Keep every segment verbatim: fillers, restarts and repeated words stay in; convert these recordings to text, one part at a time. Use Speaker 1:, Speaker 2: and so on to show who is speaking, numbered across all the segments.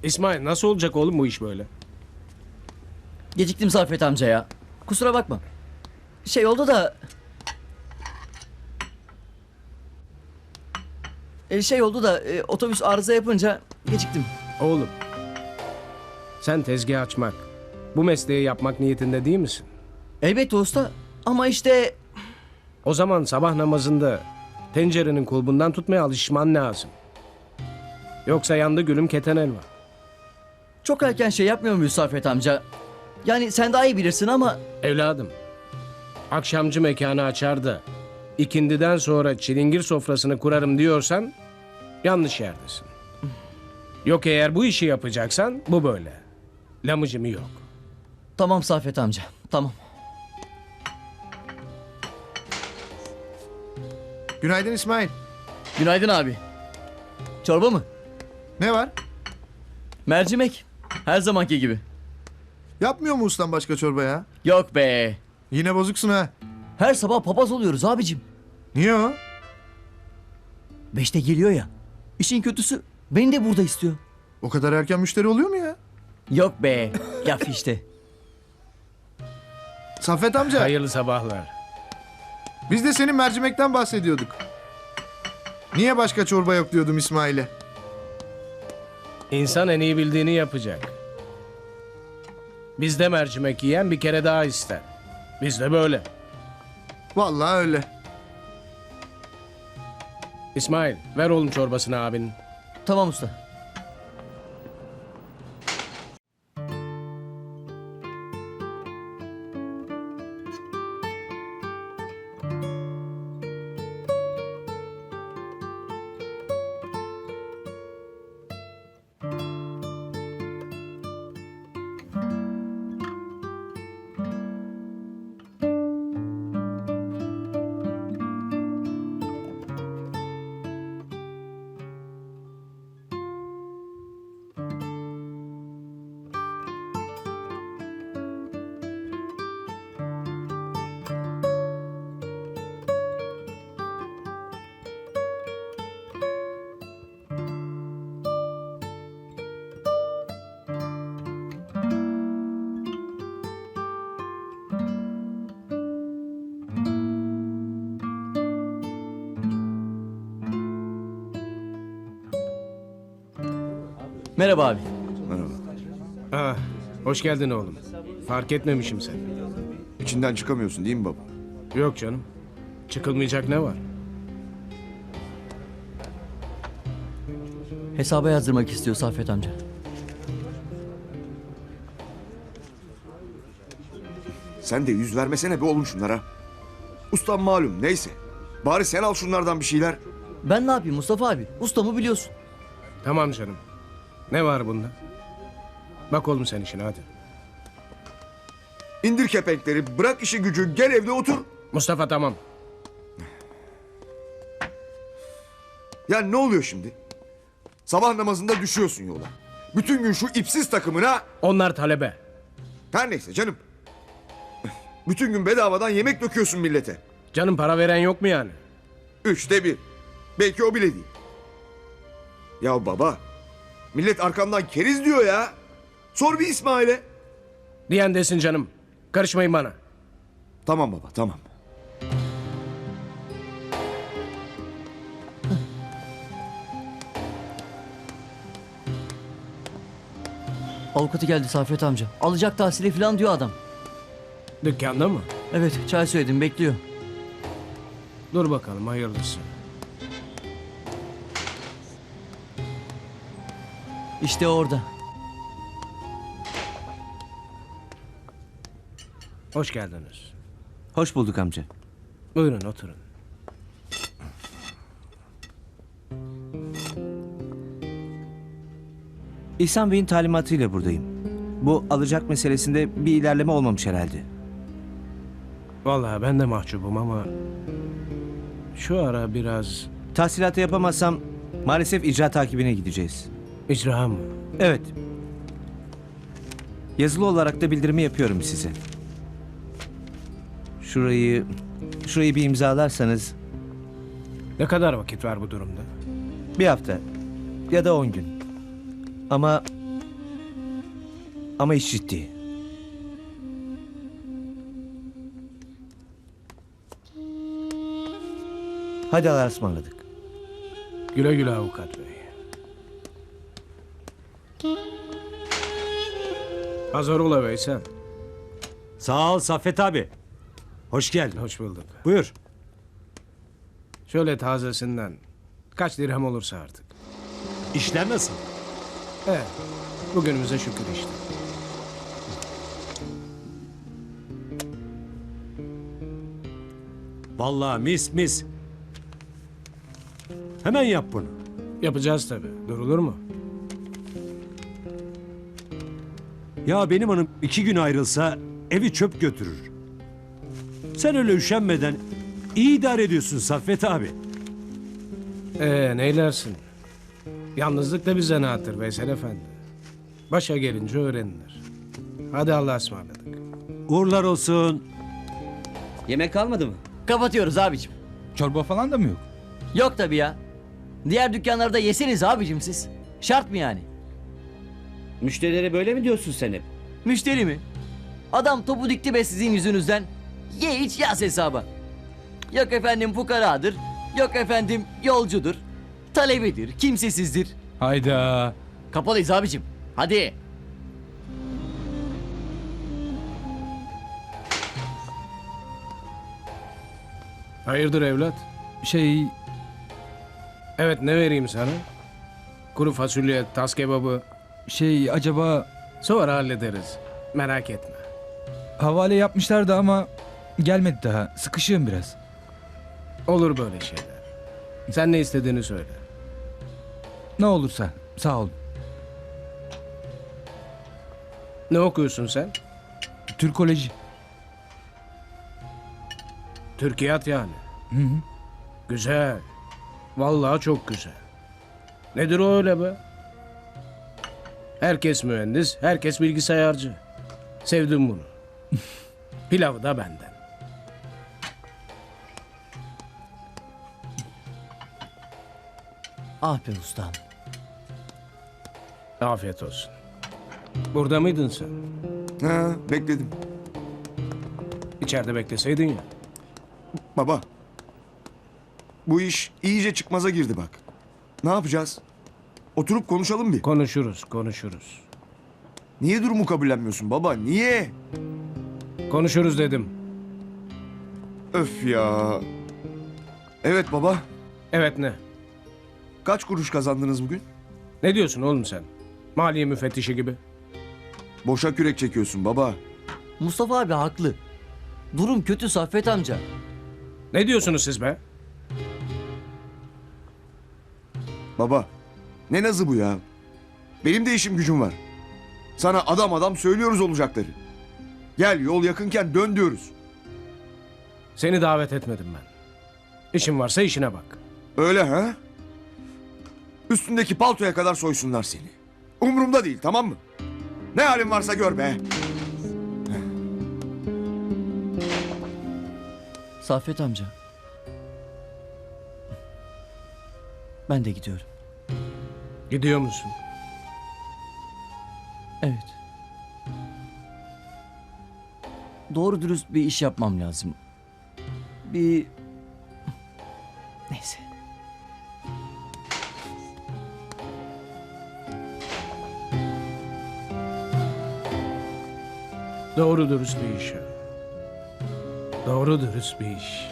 Speaker 1: İsmail nasıl olacak oğlum bu iş böyle?
Speaker 2: Geciktim Saffet amca ya. Kusura bakma. Şey oldu da... E, şey oldu da e, otobüs arıza yapınca geciktim.
Speaker 1: Oğlum, sen tezgah açmak, bu mesleği yapmak niyetinde değil misin?
Speaker 2: Elbette usta ama işte...
Speaker 1: O zaman sabah namazında tencerenin kulbundan tutmaya alışman lazım. Yoksa yandı gülüm keten elva.
Speaker 2: Çok erken şey yapmıyor muyuz Saffet amca? Yani sen daha iyi bilirsin ama...
Speaker 1: Evladım, akşamcı mekanı açar da ikindiden sonra çilingir sofrasını kurarım diyorsan yanlış yerdesin. Yok eğer bu işi yapacaksan bu böyle. Lamıcımı yok.
Speaker 2: Tamam Saffet amca, tamam.
Speaker 3: Günaydın İsmail.
Speaker 2: Günaydın abi. Çorba mı?
Speaker 3: Ne var?
Speaker 2: Mercimek. Her zamanki gibi.
Speaker 3: Yapmıyor mu ustan başka çorba ya?
Speaker 2: Yok be.
Speaker 3: Yine bozuksun ha.
Speaker 2: Her sabah papaz oluyoruz abicim.
Speaker 3: Niye o?
Speaker 2: Beşte geliyor ya. İşin kötüsü beni de burada istiyor.
Speaker 3: O kadar erken müşteri oluyor mu ya?
Speaker 2: Yok be. Laf işte.
Speaker 3: Saffet amca,
Speaker 1: Hayırlı sabahlar.
Speaker 3: biz de senin mercimekten bahsediyorduk. Niye başka çorba yok diyordum İsmail'e.
Speaker 1: İnsan en iyi bildiğini yapacak. Bizde mercimek yiyen bir kere daha ister. Bizde böyle.
Speaker 3: Vallahi öyle.
Speaker 1: İsmail ver oğlum çorbasını abinin.
Speaker 2: Tamam usta. Merhaba abi.
Speaker 1: Ah, hoş geldin oğlum. Fark etmemişim seni.
Speaker 4: İçinden çıkamıyorsun değil mi baba?
Speaker 1: Yok canım. Çıkılmayacak ne var?
Speaker 2: Hesaba yazdırmak istiyor Saffet amca.
Speaker 4: Sen de yüz vermesene be oğlum şunlara. Ustam malum neyse. Bari sen al şunlardan bir şeyler.
Speaker 2: Ben ne yapayım Mustafa abi? Ustamı biliyorsun.
Speaker 1: Tamam canım. Ne var bunda? Bak oğlum sen işine hadi.
Speaker 4: İndir kepenkleri, bırak işi gücü, gel evde otur.
Speaker 1: Mustafa tamam.
Speaker 4: Ya ne oluyor şimdi? Sabah namazında düşüyorsun yola. Bütün gün şu ipsiz takımına...
Speaker 1: Onlar talebe.
Speaker 4: Her neyse canım. Bütün gün bedavadan yemek döküyorsun millete.
Speaker 1: Canım para veren yok mu yani?
Speaker 4: Üçte bir. Belki o bile değil. Ya baba, millet arkamdan keriz diyor ya. Sor bir İsmail'e.
Speaker 1: Diyen desin canım. Karışmayın bana.
Speaker 4: Tamam baba, tamam.
Speaker 2: Avukatı geldi Saffet amca. Alacak tahsili falan diyor adam.
Speaker 1: Dükkanda mı?
Speaker 2: Evet çay söyledim bekliyor.
Speaker 1: Dur bakalım hayırlısı.
Speaker 2: İşte orada.
Speaker 1: Hoş geldiniz.
Speaker 5: Hoş bulduk amca.
Speaker 1: Buyurun oturun.
Speaker 5: İhsan Bey'in talimatıyla buradayım. Bu alacak meselesinde bir ilerleme olmamış herhalde.
Speaker 1: Vallahi ben de mahcubum ama... Şu ara biraz...
Speaker 5: Tahsilatı yapamazsam maalesef icra takibine gideceğiz.
Speaker 1: İcra mı?
Speaker 5: Evet. Yazılı olarak da bildirimi yapıyorum size. Şurayı... Şurayı bir imzalarsanız
Speaker 1: Ne kadar vakit var bu durumda?
Speaker 5: bir hafta ya da on gün. Ama Ama iş ciddi. Hadi Allah'a ısmarladık.
Speaker 1: Güle güle avukat bey. Hazır ola Veysel.
Speaker 6: Sağ ol Saffet abi. Hoş geldin.
Speaker 1: Hoş bulduk.
Speaker 6: Buyur.
Speaker 1: Şöyle tazesinden kaç dirhem olursa artık.
Speaker 6: İşler nasıl?
Speaker 1: Evet. Bugünümüze şükür işte.
Speaker 6: Vallahi mis mis. Hemen yap bunu.
Speaker 1: Yapacağız tabii. Durulur mu?
Speaker 6: Ya benim hanım iki gün ayrılsa evi çöp götürür. Sen öyle üşenmeden iyi idare ediyorsun Saffet abi.
Speaker 1: Ee neylersin? Yalnızlık da bir zanaattır Veysel Efendi. Başa gelince öğrenilir. Hadi Allah'a ısmarladık.
Speaker 6: Uğurlar olsun.
Speaker 2: Yemek kalmadı mı? Kapatıyoruz abicim.
Speaker 7: Çorba falan da mı yok?
Speaker 2: Yok tabii ya. Diğer dükkanlarda yeseniz abicim siz. Şart mı yani?
Speaker 8: Müşterilere böyle mi diyorsun sen hep?
Speaker 2: Müşteri mi? Adam topu dikti be sizin yüzünüzden. Ye iç yaz hesaba. Yok efendim fukaradır. Yok efendim yolcudur. Talebedir, kimsesizdir.
Speaker 7: Hayda.
Speaker 2: Kapalıyız abicim. Hadi.
Speaker 1: Hayırdır evlat?
Speaker 7: Şey,
Speaker 1: Evet ne vereyim sana? Kuru fasulye, tas kebabı.
Speaker 7: şey acaba
Speaker 1: Sonra hallederiz. Merak etme.
Speaker 7: havale yapmışlardı ama gelmedi daha. Sıkışığım biraz.
Speaker 1: Olur böyle şeyler. Sen ne istediğini söyle.
Speaker 7: Ne olursa sağ olun.
Speaker 1: Ne okuyorsun sen?
Speaker 7: Türkoloji.
Speaker 1: Türkiyat yani.
Speaker 7: Hı hı.
Speaker 1: Güzel. Vallahi çok güzel. Nedir o öyle be? Herkes mühendis, herkes bilgisayarcı. Sevdim bunu. Pilavı da benden.
Speaker 2: Ah be ustam.
Speaker 1: Afiyet olsun. Burada mıydın sen?
Speaker 4: Ha, bekledim.
Speaker 1: İçeride bekleseydin ya.
Speaker 4: Baba. Bu iş iyice çıkmaza girdi bak. Ne yapacağız? Oturup konuşalım bir.
Speaker 1: Konuşuruz, konuşuruz.
Speaker 4: Niye durumu kabullenmiyorsun baba? Niye?
Speaker 1: Konuşuruz dedim.
Speaker 4: Öf ya. Evet baba.
Speaker 1: Evet ne?
Speaker 4: Kaç kuruş kazandınız bugün?
Speaker 1: Ne diyorsun oğlum sen? Maliye müfettişi gibi.
Speaker 4: Boşa kürek çekiyorsun baba.
Speaker 2: Mustafa abi haklı. Durum kötü Saffet amca.
Speaker 1: Ne diyorsunuz siz be?
Speaker 4: Baba. Ne nazı bu ya? Benim de işim gücüm var. Sana adam adam söylüyoruz olacakları. Gel yol yakınken dön diyoruz.
Speaker 1: Seni davet etmedim ben. İşin varsa işine bak.
Speaker 4: Öyle ha? Üstündeki paltoya kadar soysunlar seni. Umurumda değil, tamam mı? Ne halin varsa gör be.
Speaker 2: Saffet amca. Ben de gidiyorum.
Speaker 1: Gidiyor musun?
Speaker 2: Evet. Doğru dürüst bir iş yapmam lazım. Bir... Neyse.
Speaker 1: Doğru dürüst bir iş. Doğru dürüst bir iş.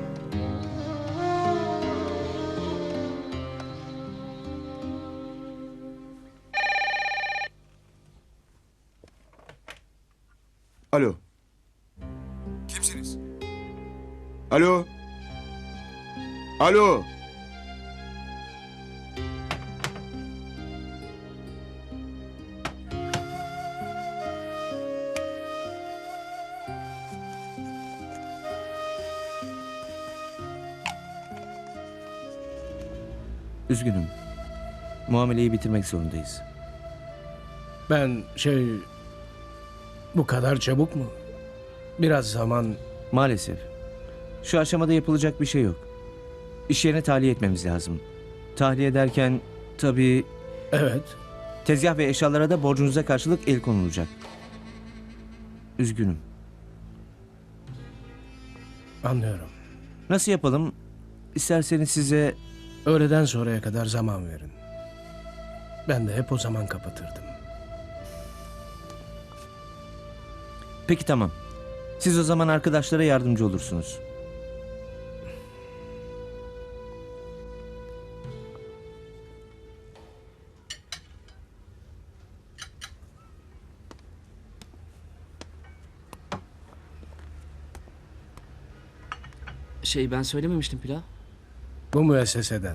Speaker 4: Alo. Kimsiniz? Alo. Alo.
Speaker 5: Üzgünüm. Muameleyi bitirmek zorundayız.
Speaker 1: Ben şey... Bu kadar çabuk mu? Biraz zaman...
Speaker 5: Maalesef. Şu aşamada yapılacak bir şey yok. İş yerine tahliye etmemiz lazım. Tahliye derken tabii
Speaker 1: Evet.
Speaker 5: Tezgah ve eşyalara da borcunuza karşılık el konulacak. Üzgünüm.
Speaker 1: Anlıyorum.
Speaker 5: Nasıl yapalım? İsterseniz size...
Speaker 1: Öğleden sonraya kadar zaman verin. Ben de hep o zaman kapatırdım.
Speaker 5: Peki tamam. Siz o zaman arkadaşlara yardımcı olursunuz.
Speaker 9: Şey ben söylememiştim pilav.
Speaker 1: Bu müesseseden.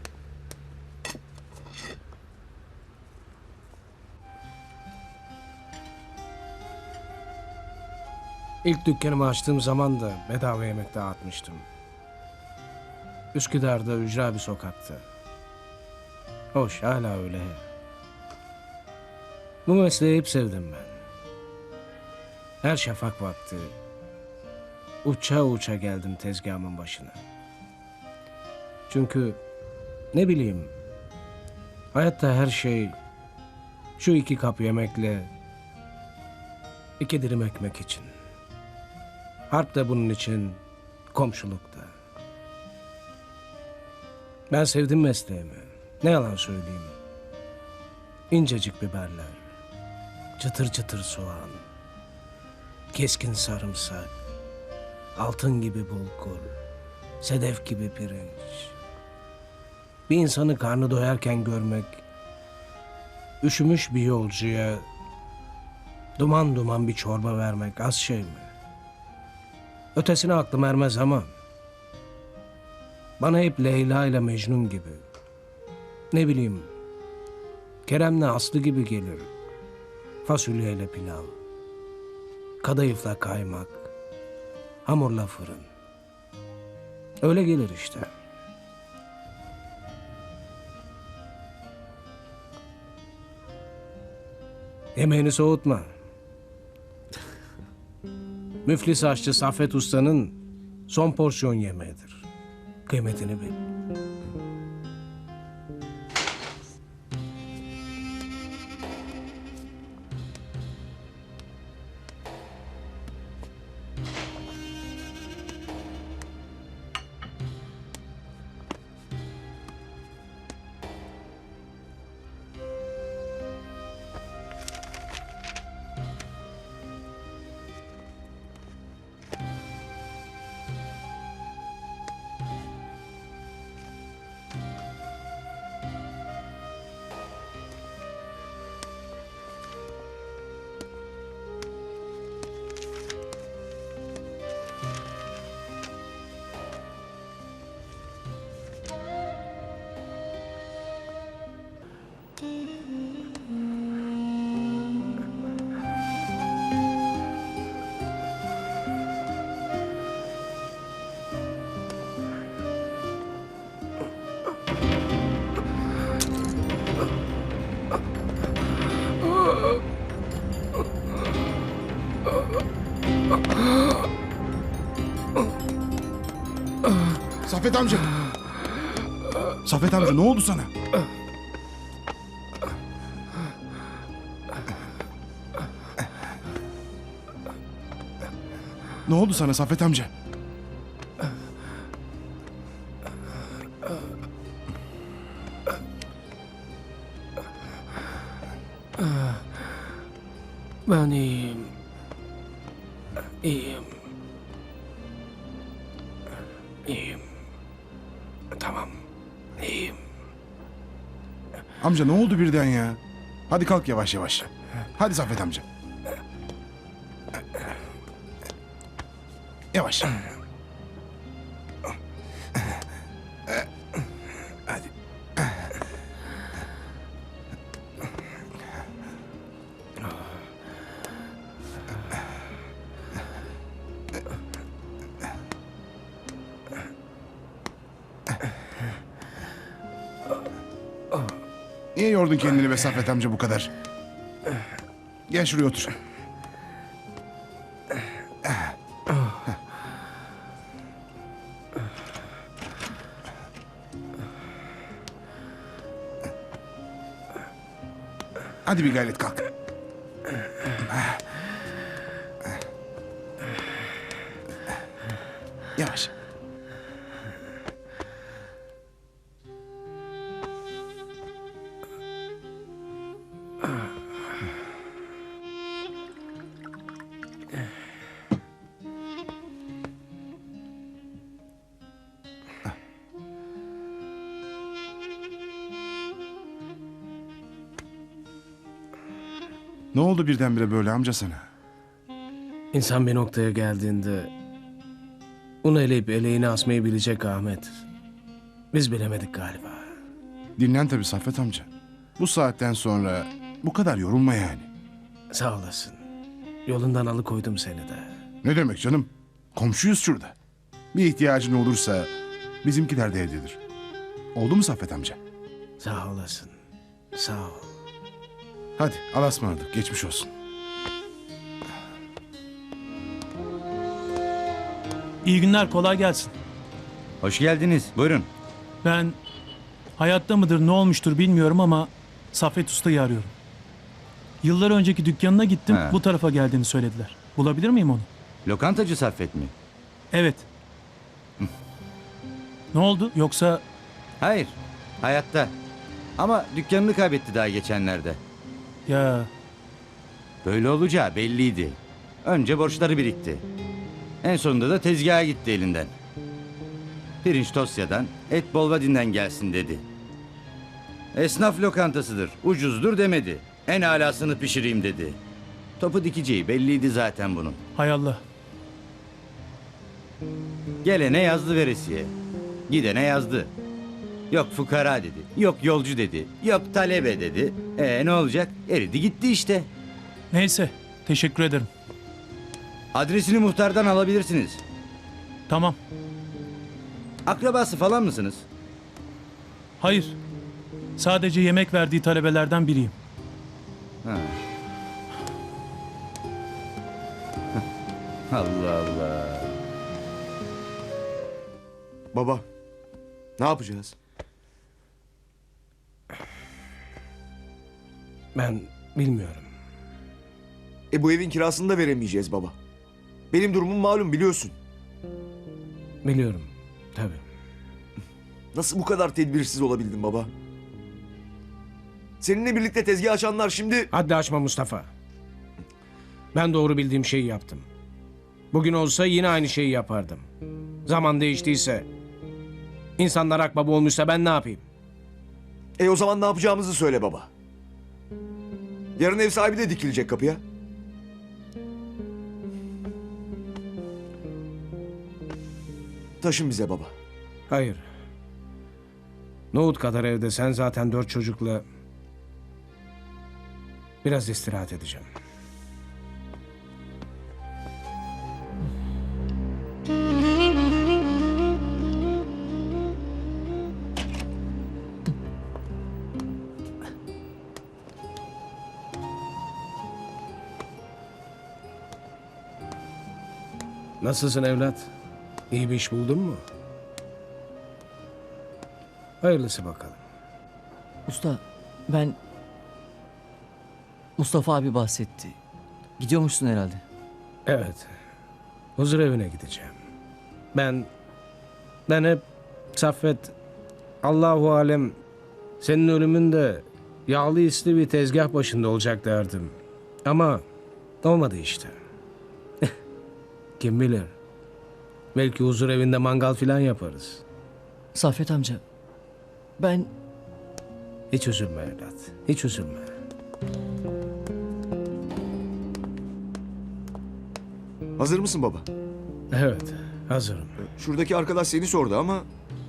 Speaker 1: İlk dükkanımı açtığım zaman da bedava yemek dağıtmıştım. Üsküdar'da ücra bir sokakta. Hoş, hala öyle. Bu mesleği hep sevdim ben. Her şafak vakti uça uça geldim tezgahımın başına. Çünkü ne bileyim, hayatta her şey şu iki kap yemekle iki dilim ekmek için. Harp da bunun için, komşuluk da. Ben sevdim mesleğimi. Ne yalan söyleyeyim. İncecik biberler, çıtır çıtır soğan, keskin sarımsak, altın gibi bulgur, sedef gibi pirinç. Bir insanı karnı doyarken görmek, üşümüş bir yolcuya duman duman bir çorba vermek az şey mi? Ötesine aklım ermez ama bana hep Leyla ile Mecnun gibi, ne bileyim, Kerem'le Aslı gibi gelir. Fasulyeyle pilav, kadayıfla kaymak, hamurla fırın. Öyle gelir işte. Yemeğini soğutma. Müflis aşçı Saffet Usta'nın son porsiyon yemeğidir. Kıymetini bil.
Speaker 3: Saffet amca. Saffet amca ne oldu sana? Ne oldu sana Saffet amca?
Speaker 1: Ben iyiyim. İyiyim. İyiyim. Tamam. İyiyim.
Speaker 3: Amca ne oldu birden ya? Hadi kalk yavaş yavaş. Hadi Saffet amca. Yavaş. Hadi. Niye yordun kendini be Saffet amca bu kadar? Gel şuraya otur.
Speaker 9: Hadi bir gayret kalk. Yavaş. Ne oldu birdenbire böyle amca sana?
Speaker 1: İnsan bir noktaya geldiğinde un eleyip eleğini asmayı bilecek Ahmet. Biz bilemedik galiba.
Speaker 9: Dinlen tabii Saffet amca. Bu saatten sonra bu kadar yorulma yani.
Speaker 1: Sağ olasın. Yolundan alıkoydum seni de.
Speaker 9: Ne demek canım? Komşuyuz şurada. Bir ihtiyacın olursa bizimkiler de evdedir. Oldu mu Saffet amca?
Speaker 1: Sağ olasın. Sağ ol.
Speaker 9: Hadi Allah'a ısmarladık. Geçmiş olsun.
Speaker 10: İyi günler, kolay gelsin.
Speaker 5: Hoş geldiniz. Buyurun.
Speaker 10: Ben hayatta mıdır, ne olmuştur bilmiyorum ama Saffet Usta'yı arıyorum. Yıllar önceki dükkanına gittim,
Speaker 5: Ha.
Speaker 10: bu tarafa geldiğini söylediler. Bulabilir miyim onu?
Speaker 5: Lokantacı Saffet mi?
Speaker 10: Evet. Ne oldu? Yoksa
Speaker 5: Hayır. Hayatta. Ama dükkanını kaybetti daha geçenlerde.
Speaker 10: ya
Speaker 5: Böyle olacağı belliydi. Önce borçları birikti. En sonunda da tezgaha gitti elinden. Pirinç Tosya'dan, et Bolvadin'den gelsin dedi. Esnaf lokantasıdır, ucuzdur demedi. En alasını pişireyim dedi. Topu dikeceği belliydi zaten bunun.
Speaker 10: hay Allah.
Speaker 5: Gelene yazdı veresiye. Gidene yazdı. Yok fukara dedi. Yok yolcu dedi. Yok talebe dedi. E ne olacak? Eridi gitti işte.
Speaker 10: Neyse, teşekkür ederim.
Speaker 5: Adresini muhtardan alabilirsiniz.
Speaker 10: Tamam.
Speaker 5: Akrabası falan mısınız?
Speaker 10: Hayır. Sadece yemek verdiği talebelerden biriyim.
Speaker 5: Ha. Allah Allah.
Speaker 4: Baba, ne yapacağız?
Speaker 1: Ben bilmiyorum.
Speaker 4: E bu evin kirasını da veremeyeceğiz baba. Benim durumum malum biliyorsun.
Speaker 1: Biliyorum. Tabii.
Speaker 4: Nasıl bu kadar tedbirsiz olabildin baba? Seninle birlikte tezgah açanlar şimdi...
Speaker 1: Haddi açma Mustafa. Ben doğru bildiğim şeyi yaptım. Bugün olsa yine aynı şeyi yapardım. Zaman değiştiyse, insanlar akbaba olmuşsa ben ne yapayım?
Speaker 4: E o zaman ne yapacağımızı söyle baba. Yarın ev sahibi de dikilecek kapıya. Taşın bize baba.
Speaker 1: Hayır. Nohut kadar evde sen zaten dört çocukla biraz istirahat edeceğim. Nasılsın evlat? İyi bir iş buldun mu? Hayırlısı bakalım.
Speaker 2: Usta, ben... Mustafa abi bahsetti. Gidiyormuşsun herhalde.
Speaker 1: Evet. Huzur evine gideceğim. Ben... Ben hep Saffet... Allahu alem... Senin ölümünde... Yağlı isli bir tezgah başında olacak derdim. Ama... Olmadı işte. Kim bilir? Belki huzur evinde mangal filan yaparız.
Speaker 2: Saffet amca, ben...
Speaker 1: Hiç üzülme evlat. Hiç üzülme.
Speaker 4: Hazır mısın baba?
Speaker 1: Evet. Hazırım.
Speaker 4: Şuradaki arkadaş seni sordu ama...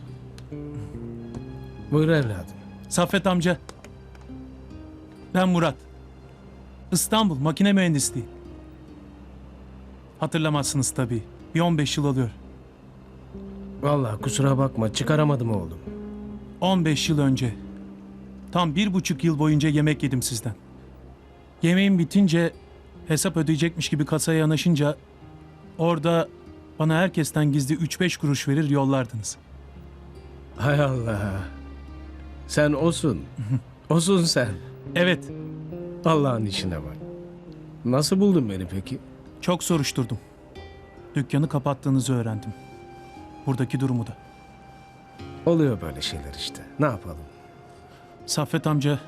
Speaker 1: Buyur evladım.
Speaker 10: Saffet amca. Ben Murat. İstanbul makine mühendisliği. Hatırlamazsınız tabii. Bir on beş yıl oluyor.
Speaker 1: Vallahi kusura bakma. Çıkaramadım oğlum.
Speaker 10: on beş yıl önce. Tam bir buçuk yıl boyunca yemek yedim sizden. Yemeğim bitince hesap ödeyecekmiş gibi kasaya yanaşınca orada bana herkesten gizli üç beş kuruş verir yollardınız.
Speaker 1: Hay Allah. Sen osun. Osun sen.
Speaker 10: Evet.
Speaker 1: Allah'ın işine bak. Nasıl buldun beni peki?
Speaker 10: Çok soruşturdum. Dükkanı kapattığınızı öğrendim. Buradaki durumu da.
Speaker 1: Oluyor böyle şeyler işte. Ne yapalım?
Speaker 10: Saffet amca,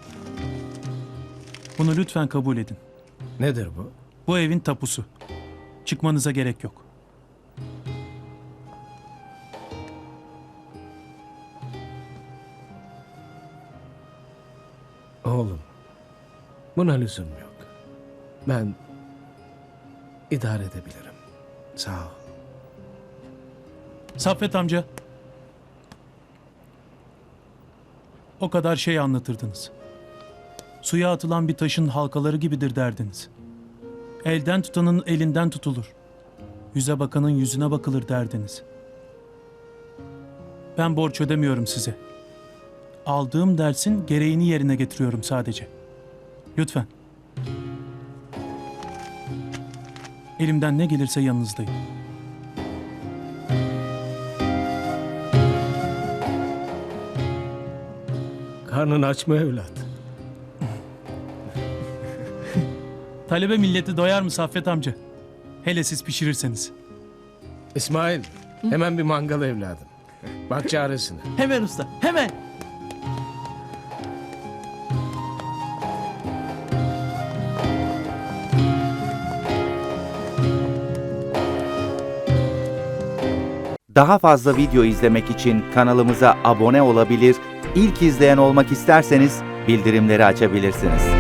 Speaker 10: bunu lütfen kabul edin.
Speaker 1: Nedir bu?
Speaker 10: Bu evin tapusu. Çıkmanıza gerek yok.
Speaker 1: Oğlum, buna lüzum yok. Ben idare edebilirim. Sağ ol.
Speaker 10: Saffet amca, o kadar şey anlatırdınız. Suya atılan bir taşın halkaları gibidir derdiniz. Elden tutanın elinden tutulur. Yüze bakanın yüzüne bakılır derdiniz. Ben borç ödemiyorum size. Aldığım dersin gereğini yerine getiriyorum sadece. Lütfen. Elimden ne gelirse yanınızdayım.
Speaker 1: Karnın aç mı evlat?
Speaker 10: Talebe milleti doyar mı Saffet amca? Hele siz pişirirseniz.
Speaker 1: İsmail, hemen bir mangal evladım. Bak çaresine.
Speaker 2: Hemen usta, hemen.
Speaker 11: Daha fazla video izlemek için kanalımıza abone olabilir, ilk izleyen olmak isterseniz bildirimleri açabilirsiniz.